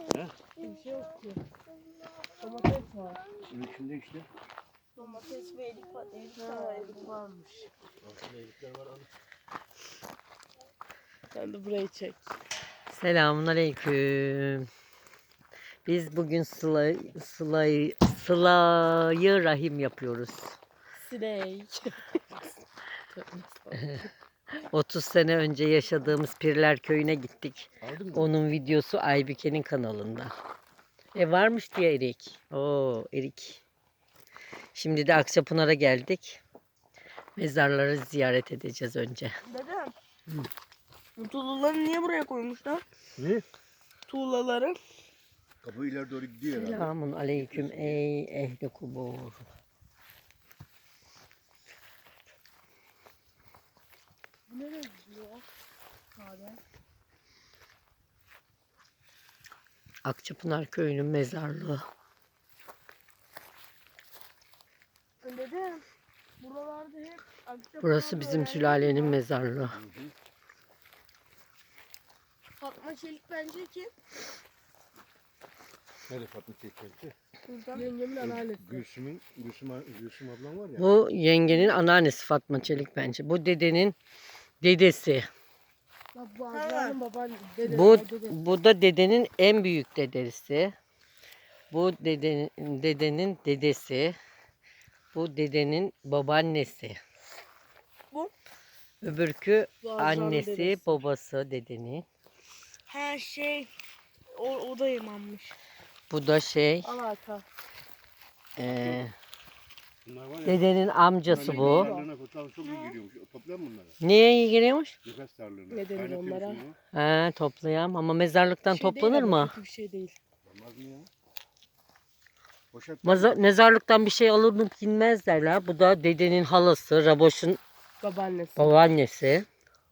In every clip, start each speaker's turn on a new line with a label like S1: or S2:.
S1: He?
S2: Bir şey yok ki. Domates var.
S1: Bunun içinde işte.
S2: Domates ve erik var. Erik varmış.
S1: Altında elikler var abi.
S2: Sen de burayı çek.
S3: Selamünaleyküm. Biz bugün Sıla-yı Rahim yapıyoruz.
S2: Sinek.
S3: 30 sene önce yaşadığımız Pirler Köyü'ne gittik.
S1: Aldın mı?
S3: Onun videosu Aybike'nin kanalında. Varmış diye erik. Oo erik. Şimdi de Akçapınar'a geldik. Mezarları ziyaret edeceğiz önce.
S2: Dedem. Bu tuğlaları niye buraya koymuşlar?
S1: Ne?
S2: Tuğlaları.
S1: Kapı ileri doğru gidiyor herhalde.
S3: Selamun aleyküm ey ehli kubur.
S2: Bu nereye gidiyor? Abi.
S3: Akçapınar Köyü'nün mezarlığı.
S2: Dedem. Buralarda hep
S3: Burası bizim sülalenin mezarlığı.
S1: Hı hı.
S2: Fatma Çelik bence kim?
S1: Nerede Fatma Çekçek'ti?
S2: Yengemin anneannesi.
S1: Gülsüm ablam var ya.
S3: Bu yengenin anneannesi Fatma Çelik bence. Bu dedenin dedesi.
S2: Bu ablanın babaannesi.
S3: Bu da dedenin en büyük dedesi. Bu dedenin dedesi. Bu dedenin babaannesi.
S2: Bu?
S3: Öbürkü
S2: Bu Azra'nın
S3: annesi,
S2: dedesi.
S3: babası dedenin.
S2: Her şey o da imammış.
S3: Bu da
S2: Alaka.
S1: Bunlar var ya.
S3: Dedenin amcası bu.
S1: Tarlalarına fotoğraf çok iyi geliyormuş. Toplar mı bunları?
S3: Niye iyi geliyormuş?
S1: Nefes tarlalarına.
S2: Ne denir
S1: Kaynatıyorsun
S2: onlara?
S1: bunu.
S3: Ha, toplayam ama mezarlıktan toplanır mı?
S2: Kötü bir şey değil.
S1: Olmaz mı ya? Poşet
S3: Mezarlıktan bir şey alınıp inmez derler. Bu da dedenin halası, Raboş'un
S2: Babaannesi.
S3: babaannesi.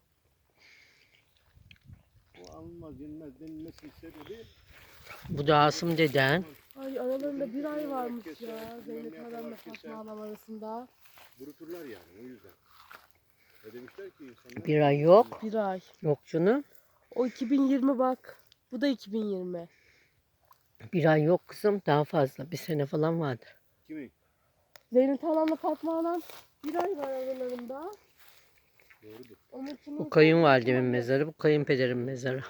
S1: o alınmaz yenmez denilmesi sebebi.
S3: Bu da Asım deden.
S2: Ay aralarında bir ay varmış ya. Zeynep Hanım'la Fatma Hanım arasında.
S1: Kuruturlar yani o yüzden. Ne demişler ki insanlar?
S3: Bir ay yok.
S2: Bir ay.
S3: Yok canım.
S2: O 2020 bak. Bu da 2020.
S3: Bir ay yok kızım. Daha fazla. Bir sene falan vardır.
S1: Kimi?
S2: Zeynep Hanım'la Fatma Hanım bir ay var aralarında.
S1: Doğrudur.
S2: Onunkinin
S3: Bu kayınvalidemin mezarı. Bu kayınpederin mezarı.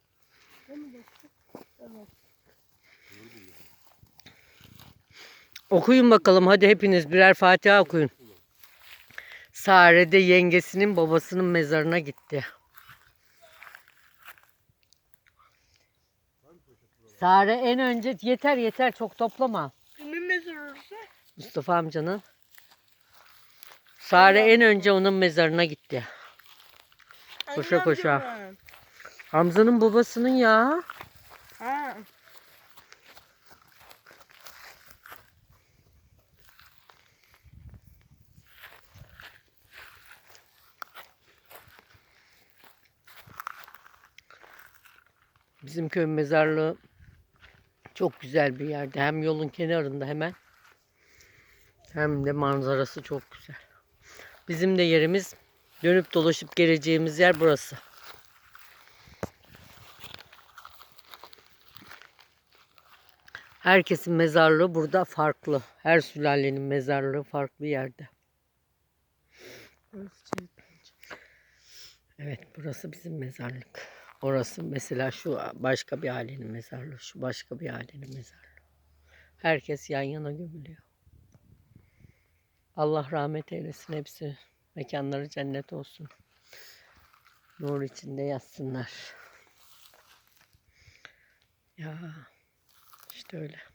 S2: Evet.
S3: Okuyun bakalım. Hadi hepiniz birer Fatiha okuyun. Sare de yengesinin babasının mezarına gitti. Sare en önce yeter çok toplama.
S2: Kimin mezarı orası?
S3: Mustafa amcanın. Sare en önce onun mezarına gitti. Koşa koşa. Hamza'nın babasının ya.
S2: Ha.
S3: Bizim köy mezarlığı çok güzel bir yerde. Hem yolun kenarında hemen. Hem de manzarası çok güzel. Bizim de yerimiz dönüp dolaşıp geleceğimiz yer burası. Herkesin mezarlığı burada farklı. Her sülalenin mezarlığı farklı yerde. Evet, burası bizim mezarlık. Orası mesela şu başka bir ailenin mezarlığı, şu başka bir ailenin mezarlığı. Herkes yan yana gömülüyor. Allah rahmet eylesin hepsi. Mekanları cennet olsun. Nur içinde yatsınlar. Ya işte öyle.